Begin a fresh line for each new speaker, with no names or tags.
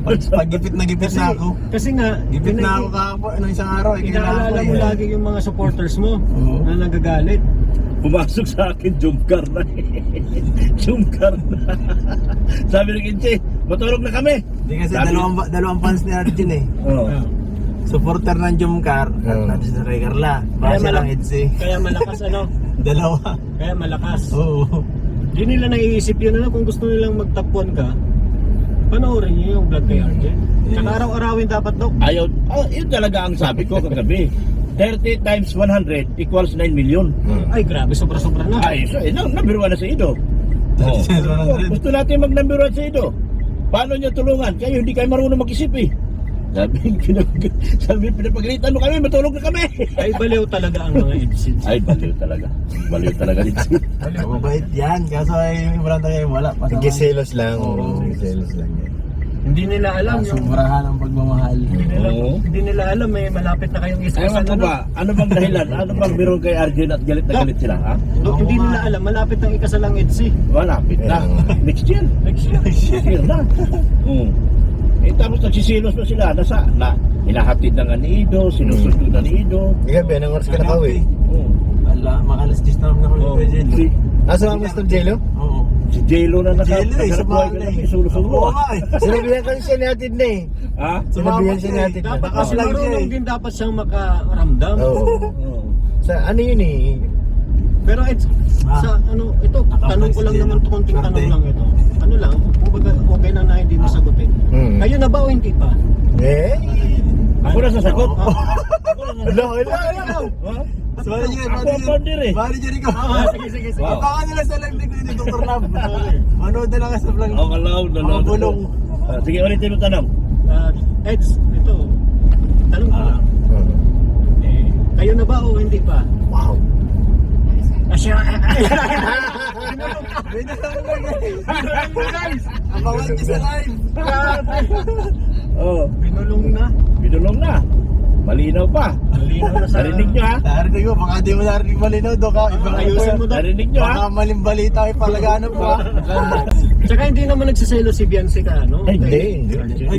Pag-gipit na ako.
Kasi nga,
Gipit na ako kahapon, isang araw.
inaalala mo lagi yung mga supporters mo na nagagalit.
Pumasok sa akin, jumkar na jumkar na. Sabi ng Kinche, matulog na kami.
Hindi kasi dalawang fans ni Arjun eh.
Oo.
Supporter ng Jumcar at natin sa Ray Carla. Base lang Edsi.
Kaya malakas
Dalawa.
Kaya malakas.
Oo.
Di nila naiisip yun kung gusto nilang magtapuan ka, panoorin niyo yung vlog kay RJ. Tsaka araw-arawin dapat daw.
Ayaw, yun talaga ang sabi ko kagabi. 30 times 100 equals 9 million.
Ay grabe, sobra-sobra na.
Ay, so, number 1 na si Ido. Oh. Gusto natin mag number 1 si Ido. Paano niya tulungan? Kayo hindi kayo marunong mag-isip eh. Sabi, pinapagalitan mo kami, matulog na kami.
Ay baliw talaga ang mga Edsin.
Ay, baliw talaga. Baliw talaga dito.
Mabait yan. Kaso ay wala tayo wala.
Nagkiselos lang. Nagkiselos lang yan.
Hindi nila alam yung
Sumurahan ang pagmamahal.
hindi nila alam may malapit na kayong isa.
Ewan ko ba, ano bang dahilan? Ano bang meron kay Arjun at galit na galit sila? Ha?
Hindi nila alam malapit ang ikasalang Edsi.
Malapit na. Next year.
Next year.
Next year na. Tapos nagsisilos na sila. Hinahatid na nga ni Ido, sinusundo na ni Ido.
Gabi, anong oras ka nakauwi?
Wala, makalas 10 na naman ako kay Jello.
Asa ang Mr. Jello?
Oo.
Si Jello na
Jello eh,
nakabuhay ka
sumama
na
eh.
isulo-sulo.
Oo nga eh.
Sinabihan ko siya natin na eh.
Ha?
Sinabihan siya natin na.
Dapat
Baka
kasi
lang siya
marunong
eh.
din dapat siyang makaramdam.
Oo. Sa ano yun eh?
Pero sa ito, tanong ko lang naman to, konting tanong lang ito. Ano lang, kumbaga okay na hindi mo sagutin. Kayo na ba o hindi pa?
Eh?
Ako na sasagot.
Hala.
Sorry,
Ako ang partner eh.
Manager ko.
Sige.
Wow.
Baka nila sa live ni Dr. Lab. Manood na lang sa vlog.
Ako kalaw.
Mga bulong.
Sige, ulitin mo tanong.
Eds, ito, tanong ko lang. Kayo na ba o hindi pa?
Wow.
Asya.
Pwede lang guys. Abangan niyo sa live.
Binulong na.
Binulong na. Malinaw pa.
Malinaw na sa...
Narinig nyo ha?
Narinig mo, baka di mo narinig malinaw do ka. Ibang
Ayusin mo daw.
Narinig nyo ha?
Baka maling balita ay palagano pa.
Tsaka hindi naman nagsiselo si Biancy ka, no?
Ay, hindi.
Ay,